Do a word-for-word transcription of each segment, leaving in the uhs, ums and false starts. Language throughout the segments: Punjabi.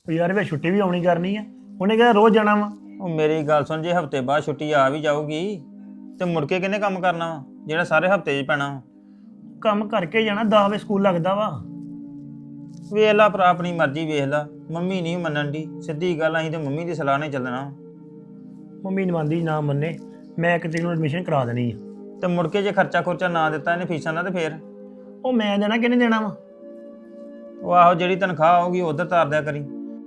ਉਹ ਯਾਰ ਵੇ ਛੁੱਟੀ ਵੀ ਆਉਣੀ ਕਰਨੀ ਆ, ਉਹਨੇ ਕਿਹਾ ਰੋਜ਼ ਜਾਣਾ ਵਾ। ਉਹ ਮੇਰੀ ਗੱਲ ਸੁਣ, ਜੇ ਹਫਤੇ ਬਾਅਦ ਛੁੱਟੀ ਆ ਵੀ ਜਾਊਗੀ ਤੇ ਮੁੜ ਕੇ ਕਿਹਨੇ ਕੰਮ ਕਰਨਾ ਵਾ ਜਿਹੜਾ ਸਾਰੇ ਹਫਤੇ 'ਚ ਪੈਣਾ ਵਾ? ਕੰਮ ਕਰਕੇ ਜਾਣਾ, ਦਸ ਵਜੇ ਸਕੂਲ ਲੱਗਦਾ ਵਾ। ਵੇਖ ਲਾ ਭਰਾ, ਆਪਣੀ ਮਰਜ਼ੀ ਵੇਖ ਲਾ। ਮੰਮੀ ਨਹੀਂ ਮੰਨਣ ਦੀ, ਸਿੱਧੀ ਗੱਲ ਅਸੀਂ ਤੇ ਮੰਮੀ ਦੀ ਸਲਾਹ ਨਾਲ ਚੱਲਣਾ। ਮੰਮੀ ਨੀ ਮੰਨਦੀ, ਨਾ ਮੰਨੇ ਮੈਂ ਕਿਤੇ ਨੂੰ ਐਡਮਿਸ਼ਨ ਕਰਾ ਦੇਣੀ ਆ। ਤੇ ਮੁੜ ਕੇ ਜੇ ਖਰਚਾ ਖੁਰਚਾ ਨਾ ਦਿੱਤਾ ਇਹਨੇ ਫੀਸਾਂ ਦਾ ਤੇ ਫੇਰ ਉਹ ਮੈਂ ਦੇਣਾ ਕਿਹਨੇ ਦੇਣਾ ਵਾ? ਉਹ ਆਹੋ ਜਿਹੜੀ ਤਨਖਾਹ ਆਊਗੀ ਉਧਰ ਤਾਰ ਦਿਆ ਕਰੀ।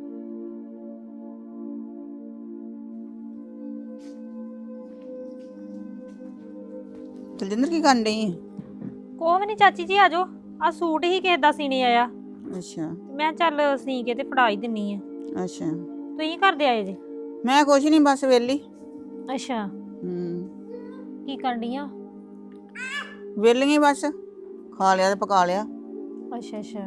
ਦਲਜਿੰਦਰ ਕੀ ਕਰਨ ਡਈ ਹੈ? ਕੋਹ ਵੀ ਨਹੀਂ ਚਾਚੀ ਜੀ, ਆਜੋ। ਆ ਸੂਟ ਹੀ ਕਿਸੇ ਦਾ ਸੀਨੇ ਆਇਆ, ਅੱਛਾ ਮੈਂ ਚੱਲ ਸੀ ਕੇ ਤੇ ਫੜਾ ਹੀ ਦਿੰਨੀ ਆ। ਅੱਛਾ, ਤੁਸੀਂ ਕਰਦੇ ਆਏ ਜੇ? ਮੈਂ ਕੁਛ ਨਹੀਂ, ਬਸ ਵੇਲੀ। ਅੱਛਾ, ਹੂੰ, ਕੀ ਕਰਨੀ ਆ? ਵੇਲੀਆਂ ਬਸ, ਖਾ ਲਿਆ ਤੇ ਪਕਾ ਲਿਆ। ਅੱਛਾ ਅੱਛਾ,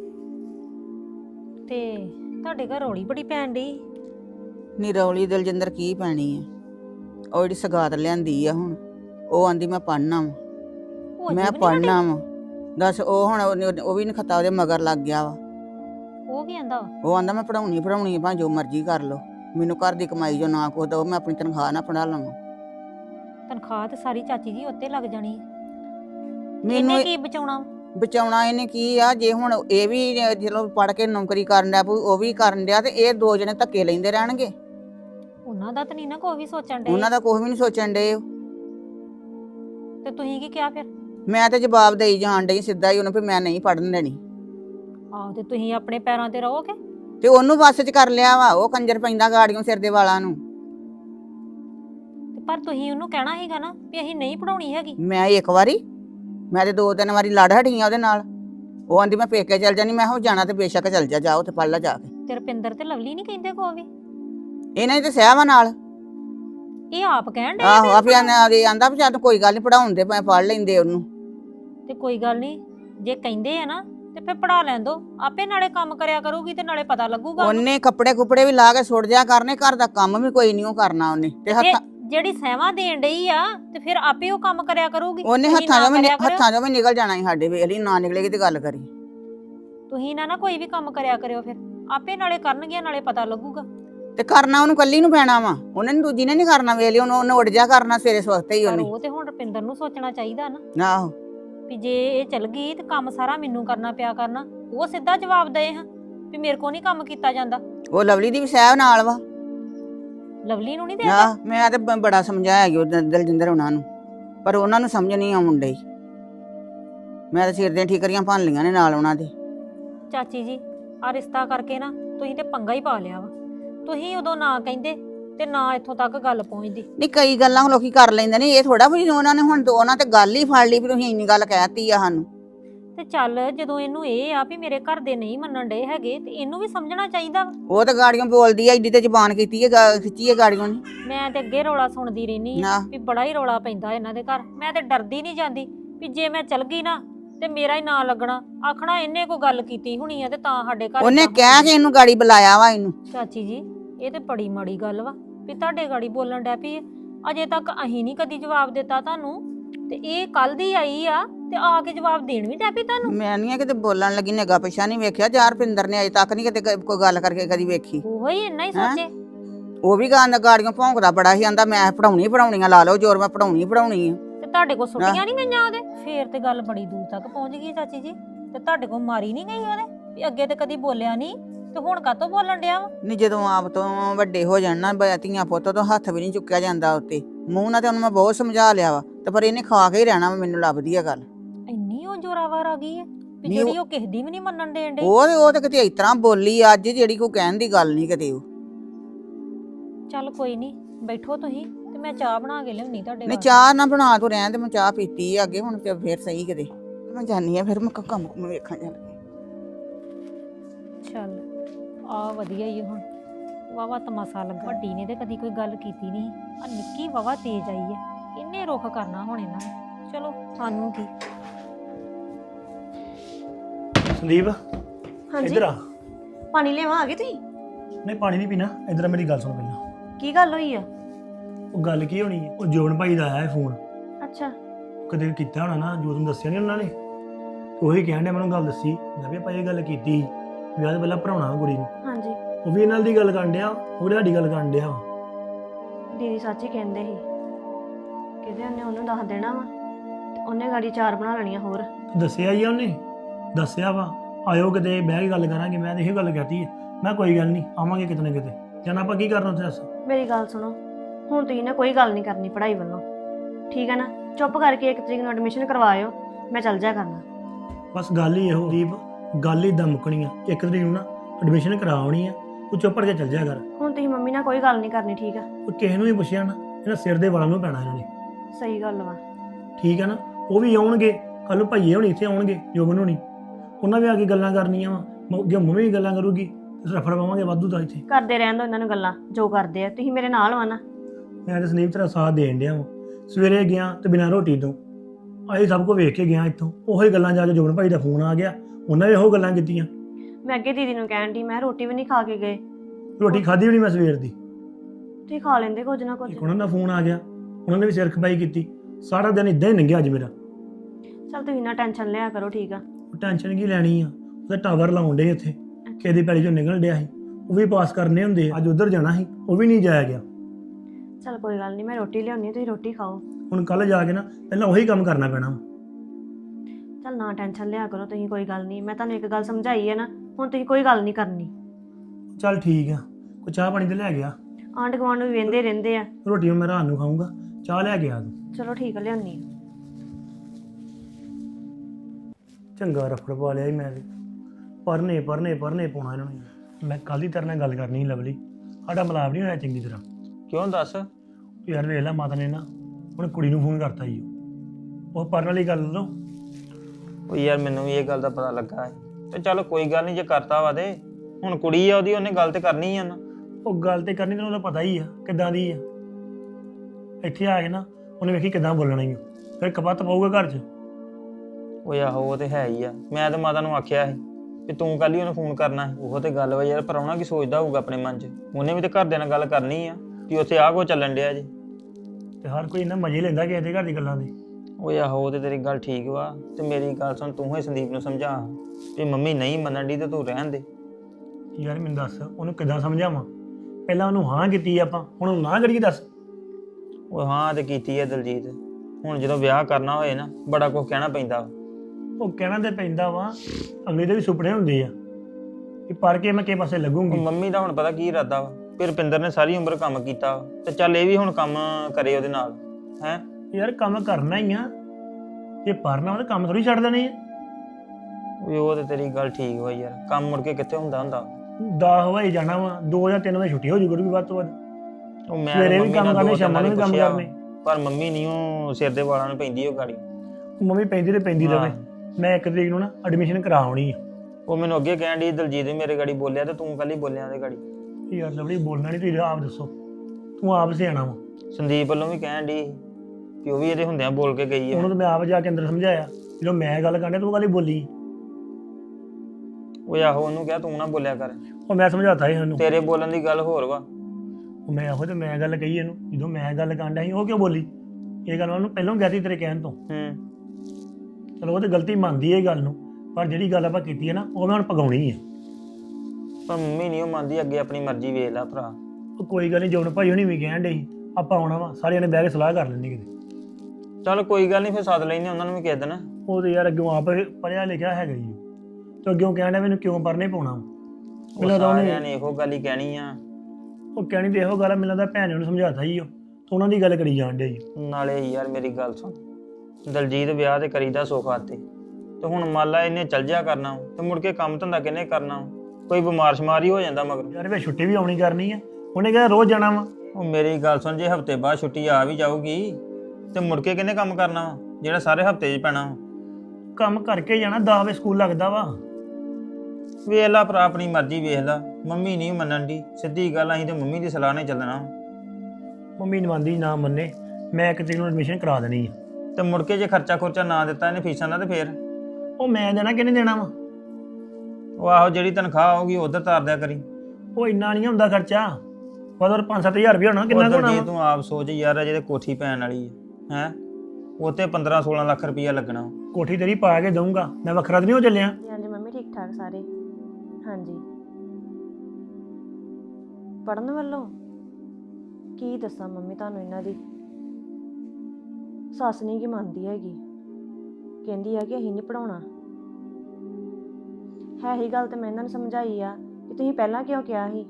ਤੇ ਤੁਹਾਡੇ ਘਰ ਰੌਲੀ ਬੜੀ ਪੈਣ ਡਈ। ਨੀ ਰੌਲੀ ਦਲਜਿੰਦਰ ਕੀ ਪੈਣੀ ਹੈ? ਉਹ ਜਿਹੜੀ ਸਗਾਤ ਲਿਆਂਦੀ ਆ ਹੁਣ, ਉਹ ਆਂਦੀ ਮੈਂ ਪੜ੍ਹਨਾ ਵਾ, ਉਹ ਮੈਂ ਪੜ੍ਹਨਾ ਵਾ। ਦੱਸ, ਉਹ ਹੁਣ ਉਹਨੇ- ਉਹ ਵੀ ਨੀ ਖਤਾ, ਉਹਦੇ ਮਗਰ ਲੱਗ ਗਿਆ ਵਾ। ਉਹ ਕੀ ਆਂਦਾ ਵਾ? ਉਹ ਆਂਦਾ ਮੈਂ ਪੜਾਉਣੀ ਪੜਾਉਣੀ ਆ, ਭਾਵੇਂ ਜੋ ਮਰਜ਼ੀ ਕਰ ਲਓ, ਮੈਨੂੰ ਘਰ ਦੀ ਕਮਾਈ ਜੋ ਨਾ ਕੁਛ ਦਓ, ਮੈਂ ਆਪਣੀ ਤਨਖਾਹ ਨਾ ਪੜਾ ਲਵਾਂ। ਤਨਖਾਹ ਤੇ ਸਾਰੀ ਚਾਚੀ ਜੀ ਉੱਤੇ ਲੱਗ ਜਾਣੀ ਆ। ਮੈਨੂੰ ਇਹਨੇ ਕੀ ਬਚਾਉਣਾ? ਬਚਾਉਣਾ ਇਹਨੇ ਕੀ ਆ? ਜੇ ਹੁਣ ਇਹ ਵੀ ਜਦੋਂ ਪੜ ਕੇ ਨੌਕਰੀ ਕਰਨ ਡਿਆ ਪਊ, ਉਹ ਵੀ ਕਰਨ ਡਿਆ, ਤੇ ਇਹ ਦੋ ਜਣੇ ਧੱਕੇ ਲੈਂਦੇ ਰਹਿਣਗੇ। ਉਹਨਾਂ ਦਾ ਤਾਂ ਨਹੀਂ ਨਾ ਕੋਈ ਵੀ ਸੋਚਣ ਡੇ। ਉਹਨਾਂ ਦਾ ਕੁਝ ਵੀ ਨਹੀਂ ਸੋਚਣ ਡੇ। ਤੇ ਤੁਸੀਂ ਕੀ ਕਿਹਾ ਫਿਰ? ਮੈਂ ਤੇ ਜਵਾਬ ਦੇਈ ਜਾਣ ਡਈ ਸਿੱਧਾ ਹੀ ਉਹਨੂੰ, ਵੀ ਮੈਂ ਨਹੀਂ ਪੜਨ ਦੇਣੀ। ਆਹੋ, ਤੇ ਤੁਸੀਂ ਆਪਣੇ ਪੈਰਾਂ ਤੇ ਰਹੋਗੇ। ਤੇ ਉਹਨੂੰ ਬੱਸ 'ਚ ਕਰ ਲਿਆ ਵਾ, ਉਹ ਕੰਜਰ ਪੈਂਦਾ ਗਾੜੀਆਂ ਸਿਰ ਦੇ ਵਾਲਾਂ ਨੂੰ। ਤੇ ਪਰ ਤੁਸੀਂ ਉਹਨੂੰ ਕਹਿਣਾ ਸੀਗਾ ਨਾ ਵੀ ਅਸੀਂ ਨਹੀਂ ਪੜਾਉਣੀ ਹੈਗੀ। ਮੈਂ ਇੱਕ ਵਾਰੀ, ਮੈਂ ਤੇ ਦੋ ਤਿੰਨ ਵਾਰੀ ਲੜ ਹਟੀ ਆ ਉਹਦੇ ਨਾਲ। ਉਹ ਆਂਦੀ ਮੈਂ ਪੇਕੇ ਚੱਲ ਜਾਣੀ, ਮੈਂ ਹੋ ਜਾਣਾ ਤੇ ਬੇਸ਼ੱਕ ਚੱਲ ਜਾ, ਜਾਓ ਤੇ ਪੜ ਲੈ ਜਾ ਕੇ। ਤੇ ਰੁਪਿੰਦਰ ਤੇ ਲਵਲੀ ਨਹੀਂ ਕਹਿੰਦੇ ਕੋਈ ਵੀ? ਇਹਨਾਂ ਨੇ ਤੇ ਸਹਿ ਵਾ ਨਾਲ। ਇਹ ਆਪ ਕਹਿਣ ਡੇ। ਆਹੋ, ਆਪੇ ਆਂਦਾ ਵੀ ਚੱਲ ਕੋਈ ਗੱਲ ਨੀ, ਪੜਾਉਣ ਦੇ, ਮੈਂ ਪੜ ਲੈਂਦੇ ਉਹਨੂੰ। ਤੇ ਕੋਈ ਗੱਲ ਨਹੀਂ, ਜੇ ਕਹਿੰਦੇ ਆ ਨਾ ਤੇ ਫਿਰ ਪੜਾ ਲੈਣ ਦੋ, ਆਪੇ ਨਾਲੇ ਕੰਮ ਕਰਿਆ ਕਰੂਗੀ ਤੇ ਨਾਲੇ ਪਤਾ ਲੱਗੂਗਾ। ਉਹਨੇ ਕੱਪੜੇ ਕੁਪੜੇ ਵੀ ਲਾ ਕੇ ਸੁੱਟ ਜਾ ਕਰਨੇ, ਘਰ ਦਾ ਕੰਮ ਵੀ ਕੋਈ ਨਹੀਂ ਉਹ ਕਰਨਾ ਉਹਨੇ। ਤੇ ਹੱਥਾਂ ਜਿਹੜੀ ਸਹਿਵਾ ਦੇਣ ਡਈ ਆ ਤੇ ਫਿਰ ਆਪੇ ਉਹ ਕੰਮ ਕਰਿਆ ਕਰੂਗੀ। ਉਹਨੇ ਤੁਸੀਂ ਹੱਥਾਂ ਨਾ ਚੋਂ ਵੀ ਕਰਿਆ ਕਰਿਓ। ਹੱਥਾਂ ਚੋਂ ਵੀ ਨਿਕਲ ਜਾਣਾ ਸੀ ਸਾਡੇ, ਵੇਖ ਲਈ, ਨਾ ਨਿਕਲੇਗੀ ਤੇ ਗੱਲ ਕਰੀ। ਤੁਸੀਂ ਨਾ ਨਾ ਕੋਈ ਵੀ ਕੰਮ ਕਰਿਆ ਕਰਿਓ, ਫਿਰ ਆਪੇ ਨਾਲੇ ਕਰਨਗੀਆਂ ਨਾਲੇ ਪਤਾ ਲੱਗੂਗਾ। ਤੇ ਕਰਨਾ ਉਹਨੂੰ ਕੱਲੀ ਨੂੰ ਪੈਣਾ ਵਾ, ਉਹਨੇ ਨੀ ਦੂਜੀ ਨੇ ਨਹੀਂ ਕਰਨਾ। ਵੇਖ ਲਈ, ਉਹਨੂੰ ਉਹਨੇ ਉੱਡ ਜਾ ਕਰਨਾ ਸਵੇਰੇ ਸਵਖਤੇ ਹੀ ਪਰ ਉਹਨੇ। ਉਹ ਤੇ ਹੁਣ ਰੁਪਿੰਦਰ ਨੂੰ ਸੋਚਣਾ ਚਾਹੀਦਾ ਨਾ ਆਹੋ, ਵੀ ਜੇ ਇਹ ਚਲ ਗਈ ਤੇ ਕੰਮ ਸਾਰਾ ਮੈਨੂੰ ਕਰਨਾ ਪਿਆ ਕਰਨਾ। ਉਹ ਸਿੱਧਾ ਜਵਾਬ ਦੇ ਹਾਂ ਵੀ ਮੇਰੇ ਕੋ ਨਹੀਂ ਕੰਮ ਕੀਤਾ ਜਾਂਦਾ। ਉਹ ਲਵਲੀ ਦੀ ਵੀ ਸਹਿਬ ਨਾਲ ਵਾ। ਲਵਲੀ ਨੂੰ ਨਹੀਂ ਦੇਦਾ। ਆਹ, ਮੈਂ ਤੇ ਬ- ਬੜਾ ਸਮਝਾਇਆ ਗਿਆ ਦ- ਦਲਜਿੰਦਰ ਉਹਨਾਂ ਨੂੰ, ਪਰ ਉਹਨਾਂ ਨੂੰ ਸਮਝ ਨਹੀਂ ਆਉਣ ਡਈ। ਮੈਂ ਤਾਂ ਸਿਰ ਦੀਆਂ ਠੀਕਰੀਆਂ ਭੰਨ ਲਈਆਂ ਨੇ ਨਾਲ ਉਹਨਾਂ ਦੇ। ਚਾਚੀ ਜੀ, ਆ ਰਿਸ਼ਤਾ ਕਰਕੇ ਨਾ ਤੁਸੀਂ ਤੇ ਪੰਗਾ ਹੀ ਪਾ ਲਿਆ ਵਾ। ਤੁਸੀਂ ਉਦੋਂ ਨਾ ਕਹਿੰਦੇ ਤੇ ਨਾ ਇੱਥੋਂ ਤੱਕ ਗੱਲ ਪਹੁੰਚਦੀ। ਨਹੀਂ, ਕਈ ਗੱਲਾਂ ਲੋਕੀ ਕਰ ਲੈਂਦੇ ਨੇ, ਇਹ ਥੋੜਾ ਵੀ ਉਹਨਾਂ ਨੇ ਹੁਣ ਉਹਨਾਂ ਤੇ ਗੱਲ ਹੀ ਫੜ ਲਈ ਵੀ ਤੁਸੀਂ ਇੰਨੀ ਗੱਲ ਕਹਿਤੀ ਆ ਸਾਨੂੰ। ਤੇ ਚੱਲ, ਜਦੋਂ ਇਹਨੂੰ ਇਹ ਆ ਵੀ ਮੇਰੇ ਘਰ ਦੇ ਨਹੀਂ ਮੰਨਣ ਡਏ ਹੈਗੇ ਤੇ ਇਹਨੂੰ ਵੀ ਸਮਝਣਾ ਚਾਹੀਦਾ ਵਾ। ਉਹ ਤਾਂ ਗਾੜੀਆਂ ਬੋਲਦੀ ਆ, ਏਡੀ ਤੇ ਜ਼ਬਾਨ ਕੀਤੀ ਹੈ, ਗਾ- ਖਿੱਚੀ ਹੈ ਗਾੜੀਆਂ ਨੇ। ਮੈਂ ਤੇ ਅੱਗੇ ਰੌਲਾ ਸੁਣਦੀ ਰਹਿਨੀ ਆ ਨਾ। ਵੀ ਬੜਾ ਹੀ ਰੌਲਾ ਪੈਂਦਾ ਇਹਨਾਂ ਦੇ ਘਰ। ਮੈਂ ਤੇ ਡਰਦੀ ਨਹੀਂ ਜਾਂਦੀ ਵੀ ਜੇ ਮੈਂ ਚਲ ਗਈ ਨਾ ਤੇ ਮੇਰਾ ਹੀ ਨਾਂ ਲੱਗਣਾ, ਆਖਣਾ ਇਹਨੇ ਕੋਈ ਗੱਲ ਕੀਤੀ ਹੋਣੀ ਆ ਤੇ ਤਾਂ ਸਾਡੇ ਘਰ ਉਹਨੇ ਏਦਾਂ ਕਹਿ ਕੇ ਇਹਨੂੰ ਗਾੜੀ ਬੁਲਾਇਆ ਵਾ ਇਹਨੂੰ। ਚਾਚੀ ਜੀ, ਇਹ ਤੇ ਬੜੀ ਮਾੜੀ ਗੱਲ ਵਾ ਵੀ ਤੁਹਾਡੇ ਗਾੜੀ ਬੋਲਣ ਡੈ ਪਈ। ਅਜੇ ਤੱਕ ਅਹੀਂ ਨਹੀਂ ਕਦੀ ਜਵਾਬ ਦਿੱਤਾ ਤੁਹਾਨੂੰ, ਤੇ ਇਹ ਕੱਲ ਦੀ ਆਈ ਆ ਤੇ ਆ ਕੇ ਜਵਾਬ ਦੇਣ ਵੀ ਡੈ ਪਈ ਤੁਹਾਨੂੰ। ਮੈਂ ਨਹੀਂ ਕਿਤੇ ਬੋਲਣ ਲੱਗੀ, ਨਿਗਾ ਪਿਛਾ ਨਹੀਂ ਵੇਖਿਆ। ਯਾਰ ਰੁਪਿੰਦਰ ਨੇ ਅਜੇ ਤੱਕ ਨਹੀਂ ਕਿਤੇ ਕ- ਕੋਈ ਗੱਲ ਕਰਕੇ ਕਦੀ ਵੇਖੀ। ਉਹੋ ਹੀ ਇੰਨਾ ਹੀ ਸੋਚੇ। ਉਹ ਵੀ ਗਾਂ ਗਾੜੀਆਂ ਭੌਂਕਦਾ ਬੜਾ ਸੀ, ਆਂਦਾ ਮੈਂ ਪੜਾਉਣੀ ਪੜਾਉਣੀਆਂ, ਲਾ ਲਓ ਜ਼ੋਰ, ਮੈਂ ਪੜਾਉਣੀ ਪੜਾਉਣੀ ਆ। ਤੇ ਤੁਹਾਡੇ ਕੋਲ ਸੁੱਟੀਆਂ ਨਹੀਂ ਗਈਆਂ ਉਹਦੇ? ਫੇਰ ਤੇ ਗੱਲ ਬੜੀ ਦੂਰ ਤੱਕ ਪਹੁੰਚ ਗਈ ਚਾਚੀ ਜੀ। ਤੇ ਤੁਹਾਡੇ ਕੋਲ ਮਾਰੀ ਨਹੀਂ ਗਈ ਉਹਦੇ ਵੀ ਅੱਗੇ ਤੇ ਕਦੀ ਬੋਲਿਆ ਨਹੀਂ ਤੇ ਹੁਣ ਕਾਹਤੋਂ ਬੋਲਣ ਡਿਆ ਵਾ? ਨਹੀਂ, ਜਦੋਂ ਆਪ ਤੋਂ ਵੱਡੇ ਹੋ ਜਾਣ ਨਾ ਬ- ਧੀਆਂ ਪੁੱਤ ਤੋਂ ਹੱਥ ਵੀ ਨਹੀਂ ਚੁੱਕਿਆ ਜਾਂਦਾ ਉੱਤੇ। ਮੂੰਹ ਨਾਲ ਤੇ ਉਹਨੂੰ ਮੈਂ ਬਹੁਤ ਸਮਝਾ ਲਿਆ ਵਾ, ਤੇ ਪਰ ਇਹਨੇ ਖਾ ਕੇ ਹੀ ਰਹਿਣਾ ਵਾ, ਮੈਨੂੰ ਲੱਭਦੀ ਆ ਗੱਲ। ਇੰਨੀ ਉਹ ਜ਼ੋਰਾਵਰ ਆ ਗਈ ਹੈ ਵੀ ਨਹੀਂ, ਜਿਹੜੀ ਉਹ ਕਿਸੇ ਦੀ ਵੀ ਨਹੀਂ ਮੰਨਣ ਦੇਣ ਡਈ। ਉਹ ਉਹ ਤੇ ਕਿਤੇ ਇਸ ਤਰ੍ਹਾਂ ਬੋਲੀ ਅੱਜ, ਜਿਹੜੀ ਕੋਈ ਕਹਿਣ ਦੀ ਗੱਲ ਨਹੀਂ ਕਿਤੇ ਉਹ। ਚੱਲ ਕੋਈ ਨਹੀਂ, ਬੈਠੋ ਤੁਸੀਂ ਤੇ ਮੈਂ ਚਾਹ ਬਣਾ ਕੇ ਲਿਆਉਣੀ ਤੁਹਾਡੇ ਨਹੀਂ, ਵਾਸਤੇ। ਚਾਹ ਨਾ ਬਣਾ ਤੂੰ, ਰਹਿਣ ਤੇ ਮੈਂ ਚਾਹ ਪੀਤੀ ਆ ਅੱਗੇ, ਹੁਣ ਤੇ ਫੇਰ ਸਹੀ ਕਿਤੇ ਮੈਂ ਜਾਨੀ ਆ, ਫਿਰ ਮੈਂ ਕ- ਕੰਮ ਕੁਮ ਵੇਖਾਂ ਚੱਲ ਕੇ। ਚੱਲ ਆ ਵਧੀਆ ਹੀ ਆ ਹੁਣ, ਵਾਵਾ ਤਮਾਸਾ ਲੱਗਾ। ਵੱਡੀ ਨੇ ਤੇ ਕਦੀ ਕੋਈ ਗੱਲ ਕੀਤੀ ਨਹੀਂ, ਆ ਨਿੱਕੀ ਵਾਵਾ ਤੇਜ਼ ਆਈ ਹੈ, ਇਹਨੇ ਰੁੱਖ ਕਰਨਾ ਹੁਣ ਇਹਨਾਂ ਨੇ। ਚਲੋ ਸਾਨੂੰ ਕੀ। ਸੰਦੀਪ ਹਾਂਜੀ, ਇੱਧਰ ਆ। ਪਾਣੀ ਲਿਆਵਾਂ? ਆ ਗਏ ਤੁਸੀਂ? ਨਹੀਂ, ਪਾਣੀ ਨਹੀਂ ਪੀਣਾ, ਇੱਧਰ ਆ, ਮੇਰੀ ਗੱਲ ਸੁਣ ਪਹਿਲਾਂ। ਕੀ ਗੱਲ ਹੋਈ ਆ? ਉਹ ਗੱਲ ਕੀ ਹੋਣੀ ਹੈ, ਉਹ ਜੋਨ ਭਾਈ ਦਾ ਆਇਆ ਫੋਨ। ਅੱਛਾ, ਕਦੇ ਕੀਤਾ ਹੋਣਾ ਨਾ, ਜੋ ਤੁਹਾਨੂੰ ਦੱਸਿਆ ਨਹੀਂ ਉਹਨਾਂ ਨੇ। ਉਹੀ ਕਹਿਣ ਡਿਆ, ਮੈਨੂੰ ਗੱਲ ਦੱਸੀ। ਮੈਂ ਵੀ ਆਪਾਂ ਇਹ ਗੱਲ ਕੀਤੀ, ਵਿਆਹ ਤੋਂ ਪਹਿਲਾਂ ਭਰਾਉਣਾ ਕੁੜੀ ਨੂੰ। ਹਾਂਜੀ। ਉਹ ਵੀ ਇਹਨਾਂ ਦੀ ਗੱਲ ਕਰਨ ਡਿਆ ਉਹ ਸਾਡੀ ਗੱਲ ਕਰਨ ਡਿਆ ਵਾ। ਦੀਦੀ ਸੱਚ ਹੀ ਕਹਿੰਦੇ ਸੀ ਕਹਿੰਦੇ ਉਹਨੇ ਉਹਨੂੰ ਦੱਸ ਦੇਣਾ ਵਾ ਤੇ ਉਹਨੇ ਗਾੜੀ ਚਾਰ ਬਣਾ ਲੈਣੀਆਂ ਹੋਰ। ਦੱਸਿਆ ਹੀ ਆ ਉਹਨੇ, ਦੱਸਿਆ ਵਾ ਆਇਓ ਕਿਤੇ ਬਹਿ ਕੇ ਗੱਲ ਕਰਾਂਗੇ। ਮੈਂ ਤਾਂ ਇਹੋ ਗੱਲ ਕਹਤੀ ਹੈ, ਮੈਂ ਕੋਈ ਗੱਲ ਨਹੀਂ ਆਵਾਂਗੇ ਕਿਤੇ ਨਾ ਕਿਤੇ। ਜਾਣਾ ਆਪਾਂ ਕੀ ਕਰਨਾ ਉੱਥੇ ਦੱਸ। ਮੇਰੀ ਗੱਲ ਸੁਣੋ, ਹੁਣ ਤੁਸੀਂ ਨਾ ਕੋਈ ਗੱਲ ਨਹੀਂ ਕਰਨੀ ਪੜ੍ਹਾਈ ਵੱਲੋਂ, ਠੀਕ ਹੈ ਨਾ? ਚੁੱਪ ਕਰਕੇ ਇੱਕ ਤਰੀਕ ਨੂੰ ਐਡਮਿਸ਼ਨ ਕਰਵਾਇਓ, ਮੈਂ ਚੱਲ ਜਾ ਕਰਨਾ। ਬਸ ਗੱਲ ਹੀ ਇਹੋ ਦੀਪ, ਗੱਲ ਹੀ ਦਮਕਣੀ ਆ। ਇੱਕ ਤਰੀਕ ਨੂੰ ਨਾ ਐਡਮਿਸ਼ਨ ਕਰਾਉਣੀ ਆ, ਤੂੰ ਚੁੱਪ ਕਰਕੇ ਚੱਲ ਜਾ ਕਰ। ਹੁਣ ਤੁਸੀਂ ਮੰਮੀ ਨਾਲ ਕੋਈ ਗੱਲ ਨਹੀਂ ਕਰਨੀ, ਠੀਕ ਆ? ਉਹ ਕਿਸੇ ਨੂੰ ਵੀ ਪੁੱਛਿਆ ਨਾ ਇਹਨਾਂ ਸਿਰ ਦੇ ਵਾਲਾਂ ਨੂੰ ਪੈਣਾ ਇਹਨਾਂ ਨੇ, ਸਹੀ ਗੱਲ ਵਾ। ਠੀਕ ਹੈ ਨਾ? ਉਹ ਵੀ ਆਉਣਗੇ ਕੱਲ ਨੂੰ, ਭਾਈਏ ਹੋਣੀ ਇੱਥੇ ਆਉਣਗੇ, ਜੋਬਨ ਹੋਣੀ, ਉਹਨਾਂ ਵੀ ਆ ਕੇ ਗੱਲਾਂ ਕਰਨੀਆਂ ਵਾ। ਜੇ ਮੰਮੀ ਵੀ ਗੱਲਾਂ ਕਰੂਗੀ ਰਫੜ ਪਾਵਾਂਗੇ ਵਾਧੂ ਦਾ ਇੱਥੇ। ਕਰਦੇ ਰਹਿਣ ਦੋ ਇਹਨਾਂ ਨੂੰ ਗੱਲਾਂ, ਜੋ ਕਰਦੇ ਆ। ਤੁਸੀਂ ਮੇਰੇ ਨਾਲ ਵਾ ਨਾ? ਮੈਂ ਤਾਂ ਸੰਦੀਪ ਤੇਰਾ ਸਾਥ ਦੇਣ ਡਿਆ ਵਾਂ। ਸਵੇਰੇ ਗਿਆ ਤੇ ਬਿਨਾਂ ਰੋਟੀ ਤੋਂ ਅਸੀਂ ਸਭ ਕੁਝ ਵੇਖ ਕੇ ਗਿਆ ਇੱਥੋਂ। ਉਹੀ ਗੱਲਾਂ ਜਾ ਕੇ ਜੋਬਨ ਭਾਈ ਦਾ ਫੋਨ ਆ ਗਿਆ, ਉਹਨਾਂ ਵੀ ਇਹੋ ਗੱਲਾਂ ਕੀਤੀਆਂ। ਮੈਂ ਅੱਗੇ ਦੀਦੀ ਨੂੰ ਕਹਿਣ ਦੀ, ਮੈਂ ਰੋਟੀ ਵੀ ਨਹੀਂ ਖਾ ਕੇ ਗਏ। ਰੋਟੀ ਖਾਧੀ ਵੀ ਨਹੀਂ ਮੈਂ ਸਵੇਰ ਦੀ। ਤੁਸੀਂ ਖਾ ਲੈਂਦੇ ਕੁਝ ਨਾ ਕੁਝ। ਇੱਕ ਉਹਨਾਂ ਦਾ ਫੋਨ ਆ ਗਿਆ, ਉਹਨਾਂ ਨੇ ਵੀ ਸਿਰ ਖਪਾਈ ਕੀਤੀ। ਸਾਰਾ ਦਿਨ ਇਦਾਂ ਹੀ ਲੰਘਿਆ ਅੱਜ ਮੇਰਾ। ਚਲ ਤੁਸੀਂ ਨਾ ਟੈਨਸ਼ਨ ਲਿਆ ਕਰੋ, ਠੀਕ ਆ? ਟੈਨਸ਼ਨ ਕੀ ਲੈਣੀ ਆ, ਉਹਦੇ ਟਾਵਰ ਲਾਉਣ ਡੇ ਇੱਥੇ, ਕਿਸੇ ਦੀ ਪੈਲੀ ਚੋਂ ਨਿਕਲ ਡਿਆ ਸੀ, ਉਹ ਵੀ ਪਾਸ ਕਰਨੇ ਹੁੰਦੇ ਆ। ਅੱਜ ਉਧਰ ਜਾਣਾ ਸੀ, ਉਹ ਵੀ ਨਹੀਂ ਜਾਇਆ ਗਿਆ। ਚਲ ਕੋਈ ਗੱਲ ਨਹੀਂ, ਮੈਂ ਰੋਟੀ ਲਿਆਉਣੀ, ਤੁਸੀਂ ਰੋਟੀ ਖਾਓ। ਹੁਣ ਕੱਲ ਜਾ ਕੇ ਨਾ ਪਹਿਲਾਂ ਉਹੀ ਕੰਮ ਕਰਨਾ ਪੈਣਾ ਵਾ। ਚਲ ਨਾ ਟੈਨਸ਼ਨ ਲਿਆ ਕਰੋ ਤੁਸੀਂ, ਕੋਈ ਗੱਲ ਨਹੀਂ। ਮੈਂ ਤੁਹਾਨੂੰ ਇੱਕ ਗੱਲ ਸਮਝਾਈ ਹੈ ਨਾ, ਹੁਣ ਤੁਸੀਂ ਕੋਈ ਗੱਲ ਨਹੀਂ ਕਰਨੀ। ਚੱਲ ਠੀਕ ਆ, ਕੋਈ ਚਾਹ ਪਾਣੀ ਤੇ ਲੈ ਗਿਆ। ਆਂਢ ਗੁਆਂਢ ਵੀ ਵੇਂਦੇ ਰਹਿੰਦੇ ਆ। ਰੋਟੀ ਮੈਂ ਰਾਤ ਨੂੰ ਖਾਊਂਗਾ, ਚਾਹ ਲੈ ਗਿਆ ਤੂੰ। ਚਲੋ ਠੀਕ ਆ, ਲਿਆਉਣੀ ਆ। ਚੰਗਾ ਰਫੜ ਪਾ ਲਿਆ ਸੀ ਮੈਂ ਤੇ। ਪਰਨੇ ਪਰਨੇ ਪਰਨੇ ਪਾਉਣਾ ਇਹਨਾਂ ਨੂੰ। ਮੈਂ ਕੱਲ ਹੀ ਤੇਰੇ ਨਾਲ ਗੱਲ ਕਰਨੀ ਸੀ ਲਵਲੀ, ਸਾਡਾ ਮਲਾਪ ਨਹੀਂ ਹੋਇਆ ਚੰਗੀ ਤਰ੍ਹਾਂ। ਕਿਉਂ ਦੱਸ? ਯਾਰ ਵੇਖ ਲੈ ਮਾਤਾ ਨੇ ਨਾ ਹੁਣ ਕੁੜੀ ਨੂੰ ਫੋਨ ਕਰਤਾ ਜੀ, ਉਹ ਪਰਨ ਵਾਲੀ ਗੱਲ ਲੋ। ਉਹ ਯਾਰ ਮੈਨੂੰ ਵੀ ਇਹ ਗੱਲ ਦਾ ਪਤਾ ਲੱਗਾ ਹੈ ਤੇ ਚਲੋ ਕੋਈ ਗੱਲ ਨਹੀਂ, ਜੇ ਕਰਤਾ ਵਾ ਤੇ ਹੁਣ ਕੁੜੀ ਆ ਉਹਦੀ, ਉਹਨੇ ਗੱਲ ਤੇ ਕਰਨੀ ਆ ਨਾ। ਉਹ ਗੱਲ ਤੇ ਕਰਨੀ ਤੈਨੂੰ ਉਹਦਾ ਪਤਾ ਹੀ ਆ ਕਿੱਦਾਂ ਦੀ ਆ। ਇੱਥੇ ਆ ਕੇ ਨਾ ਉਹਨੇ ਵੇਖੀ ਕਿੱਦਾਂ ਬੋਲਣਾ ਹੀ, ਫਿਰ ਕਪੱਤ ਪਊਗਾ ਘਰ 'ਚ। ਉਹ ਆਹੋ ਉਹ ਤੇ ਹੈ ਹੀ ਆ। ਮੈਂ ਤਾਂ ਮਾਤਾ ਨੂੰ ਆਖਿਆ ਸੀ ਵੀ ਤੂੰ ਕੱਲ ਹੀ ਉਹਨੂੰ ਫੋਨ ਕਰਨਾ ਸੀ। ਉਹ ਤੇ ਗੱਲ ਵਾ ਯਾਰ, ਪ੍ਰਾਹੁਣਾ ਕੀ ਸੋਚਦਾ ਹੋਊਗਾ ਆਪਣੇ ਮਨ 'ਚ। ਉਹਨੇ ਵੀ ਤੇ ਘਰਦਿਆਂ ਨਾਲ ਗੱਲ ਕਰਨੀ ਆ ਵੀ ਉੱਥੇ ਆਹ ਕੋ ਚੱਲਣ ਡਿਆ ਜੀ। ਤੇ ਹਰ ਕੋਈ ਇੰਨਾ ਮਜ਼ੇ ਲੈਂਦਾ ਕਿਸੇ ਦੇ ਘਰ ਦੀ ਗੱਲਾਂ ਦੇ। ਉਹ ਆਹੋ ਉਹ ਤੇ ਤੇਰੀ ਗੱਲ ਠੀਕ ਵਾ, ਤੇ ਮੇਰੀ ਗੱਲ ਸੁਣ, ਤੂੰ ਹੀ ਸੰਦੀਪ ਨੂੰ ਸਮਝਾ ਵੀ ਮੰਮੀ ਨਹੀਂ ਮੰਨਣ ਦੀ ਤੇ ਤੂੰ ਰਹਿਣ ਦੇ। ਯਾਰ ਮੈਨੂੰ ਦੱਸ ਉਹਨੂੰ ਕਿੱਦਾਂ ਸਮਝਾਵਾਂ? ਪਹਿਲਾਂ ਉਹਨੂੰ ਹਾਂ ਕੀਤੀ ਆਪਾਂ, ਹੁਣ ਉਹਨੂੰ ਨਾ ਕਰੀਏ ਦੱਸ। ਉਹ ਹਾਂ ਤੇ ਕੀਤੀ ਹੈ ਦਲਜੀਤ, ਹੁਣ ਜਦੋਂ ਵਿਆਹ ਕਰਨਾ ਹੋਏ ਨਾ ਬੜਾ ਕੁਝ ਕਹਿਣਾ ਪੈਂਦਾ ਵਾ। ਉਹ ਕਹਿਣਾ ਤੇ ਪੈਂਦਾ ਵਾ, ਅਗਲੇ ਦੇ ਵੀ ਸੁਪਨੇ ਹੁੰਦੇ ਆ ਕਿ ਪੜ੍ਹ ਕੇ ਮੈਂ ਕਿਸੇ ਪਾਸੇ ਉਹ ਲੱਗੂੰਗੀ। ਮੰਮੀ ਦਾ ਹੁਣ ਪਤਾ ਕੀ ਇਰਾਦਾ ਵਾ, ਫਿਰ ਰੁਪਿੰਦਰ ਨੇ ਸਾਰੀ ਉਮਰ ਕੰਮ ਕੀਤਾ ਵਾ, ਤੇ ਚੱਲ ਇਹ ਵੀ ਹੁਣ ਕੰਮ ਕਰੇ ਉਹਦੇ ਨਾਲ ਹੈ। ਯਾਰ ਕੰਮ ਕਰਨਾ ਹੀ ਆ, ਜੇ ਪੜ੍ਹਨਾ ਵਾ ਤਾਂ ਕੰਮ ਥੋੜੀ ਛੱਡ ਦੇਣੇ ਆ। ਵੀ ਉਹ ਤੇ ਤੇਰੀ ਗੱਲ ਠੀਕ ਵਾ ਯਾਰ, ਕੰਮ ਮੁੜ ਕੇ ਕਿੱਥੇ ਹੁੰਦਾ ਹੁੰਦਾ। ਦਸ ਵਜੇ ਜਾਣਾ ਵਾ, ਦੋ ਜਾਂ ਤਿੰਨ ਵਜੇ ਛੁੱਟੀ ਹੋ ਜੂ ਕਰੂਗੀ ਵੱਧ ਤੋਂ ਵੱਧ। ਉਹ ਮੈਂ ਸਵੇਰੇ ਵੀ ਮੰਮੀ ਕੰਮ ਨਾਲ ਕਰਨੇ, ਦੋ ਸ਼ਾਮਾਂ ਨੂੰ ਵੀ ਕੰਮ ਪੁੱਛਿਆ ਵਾ, ਕਰਨੇ। ਪਰ ਮੰਮੀ ਨਹੀਂ ਉਹ ਸਿਰ ਦੇ ਵਾਲਾਂ ਨੂੰ ਪੈਂਦੀ ਉਹ ਗਾੜੀ। ਮੰਮੀ ਪੈਂਦੀ ਤੇ ਪੈਂਦੀ ਰਵੇ। ਮੈਂ ਇੱਕ ਤਰੀਕ ਨੂੰ ਨਾ ਐਡਮਿਸ਼ਨ ਕਰਾਉਣੀ ਆ। ਉਹ ਮੈਨੂੰ ਅੱਗੇ ਕਹਿਣ ਦੀ ਦਲਜੀਤ ਵੀ ਮੇਰੇ ਗਾੜੀ ਬੋਲਿਆ ਤੇ ਤੂੰ ਕੱਲ ਹੀ ਬੋਲਿਆ ਉਹਦੇ ਗਾੜੀ। ਯਾਰ ਲਵਲੀ ਬੋਲਣਾ ਨਹੀਂ, ਤੁਸੀਂ ਆਪ ਦੱਸੋ, ਤੂੰ ਆਪ ਸਿਆਣਾ ਵਾ। ਸੰਦੀਪ ਵੱਲੋਂ ਵੀ ਕਹਿਣ ਦੀ ਕਿ ਉਹ ਵੀ ਇਹਦੇ ਹੁੰਦਿਆਂ ਬੋਲ ਕੇ ਗਈ ਆ। ਉਹਨੂੰ ਤਾਂ ਮੈਂ ਆਪ ਜਾ ਕੇ ਅੰਦਰ ਸਮਝਾਇਆ, ਜਦੋਂ ਮੈਂ ਗੱਲ ਕਰਨੀ ਤੂੰ ਗੱਲ ਹੀ ਬੋਲੀ। ਉਹ ਆਹੋ ਉਹਨੂੰ ਕਿਹਾ ਤੂੰ ਨਾ ਬੋਲਿਆ ਕਰ, ਉਹ ਮੈਂ ਸਮਝਾਤਾ ਸੀ ਉਹਨੂੰ। ਤੇਰੇ ਬੋਲਣ ਦੀ ਗੱਲ ਹੋਰ ਵਾ। ਉਹ ਮੈਂ ਆਹੋ ਤੇ ਮੈਂ ਗੱਲ ਕਹੀ ਇਹਨੂੰ, ਜਦੋਂ ਮੈਂ ਗੱਲ ਕਰਨ ਡਿਆ ਸੀ ਉਹ ਕਿਉਂ ਬੋਲੀ? ਇਹ ਗੱਲ ਉਹਨੂੰ ਪਹਿਲਾਂ ਕਹਿਤੀ ਤੇਰੇ ਕਹਿਣ ਤੋਂ। ਹੂੰ ਚਲੋ ਉਹ ਤੇ ਗਲਤੀ ਮੰਨਦੀ ਹੈ ਇਹ ਗੱਲ ਨੂੰ, ਪਰ ਜਿਹੜੀ ਗੱਲ ਆਪਾਂ ਕੀਤੀ ਹੈ ਨਾ ਉਹ ਮੈਂ ਹੁਣ ਪਗਾਉਣੀ ਹੈ। ਪਰ ਮੰਮੀ ਨਹੀਂ ਉਹ ਮੰਨਦੀ, ਅੱਗੇ ਆਪਣੀ ਮਰਜ਼ੀ ਵੇਖ ਲੈ ਭਰਾ। ਉਹ ਕੋਈ ਗੱਲ ਨਹੀਂ, ਜੋਨ ਭਾਈ ਉਹਨੇ ਵੀ ਕਹਿਣ ਡੇ ਸੀ ਆਪਾਂ ਆਉਣਾ ਵਾ, ਸਾਰਿਆਂ ਨੇ ਬਹਿ ਕੇ ਸਲਾਹ ਕਰ ਲੈਂਦੇ ਕਿਤੇ। ਚੱਲ ਕੋਈ ਗੱਲ ਨਹੀਂ, ਫਿਰ ਸੱਦ ਲੈਂਦੇ ਉਹਨਾਂ ਨੂੰ ਵੀ ਕਹਿ ਦੇਣਾ। ਉਹ ਤੇ ਯਾਰ ਅੱਗੋਂ ਆਪ ਪੜ੍ਹਿਆ ਲਿਖਿਆ ਹੈਗਾ ਜੀ, ਤੇ ਅੱਗੋਂ ਕਹਿਣ ਡਿਆ ਮੈਨੂੰ ਕਿਉਂ ਪੜ੍ਹਨੇ ਪਾਉਣਾ। ਉਹ ਮੈਨੂੰ ਤਾਂ ਸਾਰਿਆਂ ਉਹਨੇ ਨੇ ਇਹੋ ਗੱਲ ਹੀ ਕਹਿਣੀ ਆ। ਉਹ ਕਹਿਣੀ ਤੇ ਇਹੋ ਗੱਲ ਆ, ਮੈਨੂੰ ਲੱਗਦਾ ਭੈਣ ਨੇ ਉਹਨੂੰ ਸਮਝਾਤਾ ਹੀ ਉਹ, ਤੇ ਉਹਨਾਂ ਦੀ ਗੱਲ ਕਰੀ ਜਾਣ ਡੇ ਜੀ। ਨਾਲੇ ਯਾਰ ਮੇਰੀ ਗੱਲ ਸੁਣ, ਦਲਜੀਤ ਵਿਆਹ ਤੇ ਕਰੀਦਾ ਸੋਖਾ ਤੇ ਤੇ ਹੁਣ ਮੰਨ ਲਾ ਇਹਨੇ ਚੱਲ ਜਿਆ ਕਰਨਾ ਤੇ ਮੁੜ ਕੇ ਕੰਮ ਧੰਦਾ ਕਿਹਨੇ ਕਰਨਾ? ਕੋਈ ਬਿਮਾਰ ਸ਼ਮਾਰ ਹੀ ਹੋ ਜਾਂਦਾ ਮਗਰ। ਯਾਰ ਵੇ ਛੁੱਟੀ ਵੀ ਆਉਣੀ ਕਰਨੀ ਆ, ਉਹਨੇ ਕਹਿੰਦਾ ਰੋਜ਼ ਜਾਣਾ ਵਾ। ਉਹ ਮੇਰੀ ਗੱਲ ਸੁਣ, ਜੇ ਹਫਤੇ ਬਾਅਦ ਛੁੱਟੀ ਆ ਵੀ ਜਾਊਗੀ ਤੇ ਮੁੜ ਕੇ ਕਿਹਨੇ ਕੰਮ ਕਰਨਾ ਵਾ ਜਿਹੜਾ ਸਾਰੇ ਹਫਤੇ 'ਚ ਪੈਣਾ ਵਾ? ਕੰਮ ਕਰਕੇ ਜਾਣਾ, ਦਸ ਵਜੇ ਸਕੂਲ ਲੱਗਦਾ ਵਾ। ਵੇਖ ਲਾ ਭਰਾ, ਆਪਣੀ ਮਰਜ਼ੀ ਵੇਖ ਲਾ। ਮੰਮੀ ਨਹੀਂ ਮੰਨਣ ਦੀ, ਸਿੱਧੀ ਗੱਲ, ਅਸੀਂ ਤੇ ਮੰਮੀ ਦੀ ਸਲਾਹ ਨਾਲ ਚੱਲਣਾ। ਮੰਮੀ ਨੀ ਮੰਨਦੀ, ਨਾ ਮੰਨੇ, ਮੈਂ ਇੱਕ ਤਰੀਕ ਨੂੰ ਐਡਮਿਸ਼ਨ ਕਰਾ ਦੇਣੀ ਆ। ਤੇ ਮੁੜ ਕੇ ਜੇ ਖਰਚਾ ਖੁਰਚਾ ਨਾ ਦਿੱਤਾ ਇਹਨੇ ਫੀਸਾਂ ਦਾ ਤੇ ਫੇਰ ਉਹ ਮੈਂ ਦੇਣਾ ਕਿਹਨੇ ਦੇਣਾ ਵਾ? ਉਹ ਆਹੋ ਜਿਹੜੀ ਤਨਖਾਹ ਆਊਗੀ ਉਧਰ ਤਾਰ ਦਿਆ ਕਰੀ। ਉਹ ਇੰਨਾ ਨਹੀਂ ਹੁੰਦਾ ਖਰਚਾ, ਬਦਰ ਪੰਜ ਸੱਤ ਹਜ਼ਾਰ ਰੁਪਇਆ ਹੋਣਾ, ਕਿੰਨਾ ਕੁ ਹੋਣਾ ਜੇ ਵਾ? ਤੂੰ ਆਪ ਸੋਚ ਯਾਰ, ਅਜੇ ਤੇ ਕੋਠੀ ਪੈਣ ਵਾਲੀ ਹੈ ਹੈ ਉੱਤੇ ਪੰਦਰਾਂ ਸੋਲਾਂ ਲੱਖ ਰੁਪਈਆ ਲੱਗਣਾ। ਕੋਠੀ ਤੇਰੀ ਪਾ ਕੇ ਦਊਂਗਾ, ਮੈਂ ਵੱਖਰਾ ਤਾਂ ਨਹੀਂ ਹੋ ਚੱਲਿਆ। ਹਾਂਜੀ ਮੰਮੀ, ਠੀਕ ਠਾਕ ਸਾਰੇ। ਹਾਂਜੀ ਪੜਨ ਵੱਲੋਂ ਕੀ ਦੱਸਾਂ ਮੰਮੀ ਤੁਹਾਨੂੰ ਇਹਨਾਂ ਦੀ ਸੱਸ ਨਹੀਂ ਕੀ ਮੰਨਦੀ ਹੈਗੀ, ਕਹਿੰਦੀ ਆ ਕਿ ਅਸੀਂ ਨਹੀਂ ਪੜਾਉਣਾ। ਹੈ ਹੀ ਗੱਲ ਤੇ ਮੈਂ ਇਹਨਾਂ ਨੂੰ ਸਮਝਾਈ ਆ ਕਿ ਤੁਸੀਂ ਪਹਿਲਾਂ ਕਿਉਂ ਕਿਹਾ ਸੀ।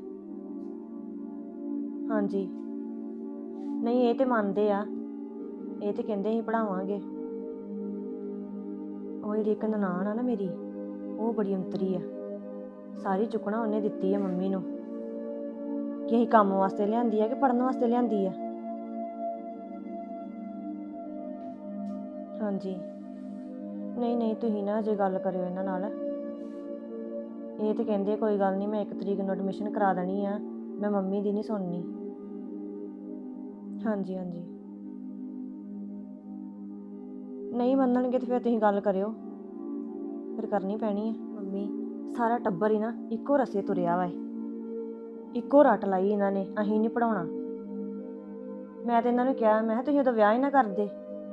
ਹਾਂਜੀ ਨਹੀਂ ਇਹ ਤੇ ਮੰਨਦੇ ਆ, ਇਹ ਤੇ ਕਹਿੰਦੇ ਅਸੀਂ ਪੜਾਵਾਂਗੇ। ਉਹ ਜਿਹੜੀ ਇੱਕ ਨਨਾਣ ਆ ਨਾ ਮੇਰੀ, ਉਹ ਬੜੀ ਅੰਤਰੀ ਆ, ਸਾਰੀ ਚੁੱਕਣਾ ਉਹਨੇ ਦਿੱਤੀ ਆ ਮੰਮੀ ਨੂੰ ਕਿ ਅਸੀਂ ਕੰਮ ਵਾਸਤੇ ਲਿਆਂਦੀ ਆ ਕਿ ਪੜਨ ਵਾਸਤੇ ਲਿਆਂਦੀ ਆ। ਹਾਂਜੀ ਨਹੀਂ ਨਹੀਂ ਤੁਸੀਂ ਨਾ ਅਜੇ ਗੱਲ ਕਰਿਓ ਇਹਨਾਂ ਨਾਲ। ਇਹ ਤੇ ਕਹਿੰਦੇ ਕੋਈ ਗੱਲ ਨਹੀਂ, ਮੈਂ ਇੱਕ ਤਰੀਕ ਨੂੰ ਐਡਮਿਸ਼ਨ ਕਰਾ ਦੇਣੀ ਆ, ਮੈਂ ਮੰਮੀ ਦੀ ਨਹੀਂ ਸੁਣਨੀ। ਹਾਂਜੀ ਹਾਂਜੀ ਨਹੀਂ ਮੰਨਣਗੇ ਤੇ ਫਿਰ ਤੁਸੀਂ ਗੱਲ ਕਰਿਓ, ਫਿਰ ਕਰਨੀ ਪੈਣੀ ਆ। ਮੰਮੀ ਸਾਰਾ ਟੱਬਰ ਹੀ ਨਾ ਇੱਕੋ ਰਸੇ ਤੁਰਿਆ ਵਾ, ਇੱਕੋ ਰੱਟ ਲਾਈ ਇਹਨਾਂ ਨੇ, ਅਸੀਂ ਨਹੀਂ ਪੜਾਉਣਾ। ਮੈਂ ਤੇ ਇਹਨਾਂ ਨੂੰ ਕਿਹਾ, ਮੈਂ ਕਿਹਾ ਤੁਸੀਂ ਉਦੋਂ ਵਿਆਹ ਹੀ ਨਾ ਕਰਦੇ।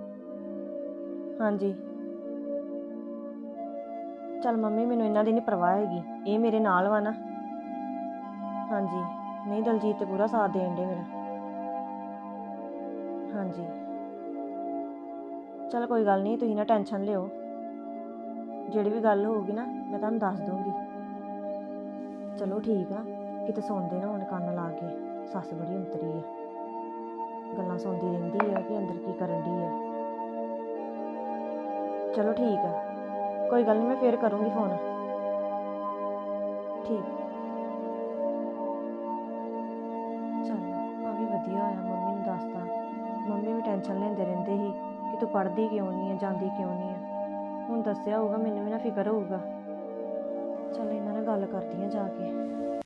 ਹਾਂਜੀ ਚੱਲ ਮੰਮੀ ਮੈਨੂੰ ਇਹਨਾਂ ਦੀ ਨਹੀਂ ਪਰਵਾਹ ਹੈਗੀ, ਇਹ ਮੇਰੇ ਨਾਲ ਵਾ ਨਾ। ਹਾਂਜੀ ਨਹੀਂ ਦਲਜੀਤ ਤੇ ਪੂਰਾ ਸਾਥ ਦੇਣ ਡੇ ਮੇਰਾ। ਹਾਂਜੀ ਚਲ ਕੋਈ ਗੱਲ ਨਹੀਂ, ਤੁਸੀਂ ਨਾ ਟੈਨਸ਼ਨ ਲਿਓ, ਜਿਹੜੀ ਵੀ ਗੱਲ ਹੋਊਗੀ ਨਾ ਮੈਂ ਤੁਹਾਨੂੰ ਦੱਸ ਦੂੰਗੀ। ਚਲੋ ਠੀਕ ਆ, ਕਿਤੇ ਸੌਂਦੇ ਨਾ ਹੁਣ ਕੰਨ ਲਾ ਕੇ, ਸੱਸ ਬੜੀ ਅੰਤਰੀ ਆ, ਗੱਲਾਂ ਸੁਣਦੀ ਰਹਿੰਦੀ ਆ ਕਿ ਅੰਦਰ ਕੀ ਕਰਨ ਡਈ ਆ। ਚਲੋ ਠੀਕ ਆ, ਕੋਈ ਗੱਲ ਨਹੀਂ, ਮੈਂ ਫੇਰ ਕਰੂੰਗੀ ਫੋਨ। ਠੀਕ ਚਲ ਆ ਵੀ ਵਧੀਆ ਹੋਇਆ ਮੰਮੀ ਨੂੰ ਦੱਸਤਾ। ਮੰਮੀ ਵੀ ਟੈਨਸ਼ਨ ਲੈਂਦੇ ਰਹਿੰਦੇ ਸੀ ਕਿ ਤੂੰ ਪੜ੍ਹਦੀ ਕਿਉਂ ਨਹੀਂ ਆ, ਜਾਂਦੀ ਕਿਉਂ ਨਹੀਂ ਆ। ਹੁਣ ਦੱਸਿਆ ਹੋਊਗਾ ਮੈਨੂੰ ਵੀ ਨਾ ਫਿਕਰ ਹੋਊਗਾ। ਚਲ ਇਹਨਾਂ ਨਾਲ ਗੱਲ ਕਰਦੀ ਆ ਜਾ ਕੇ।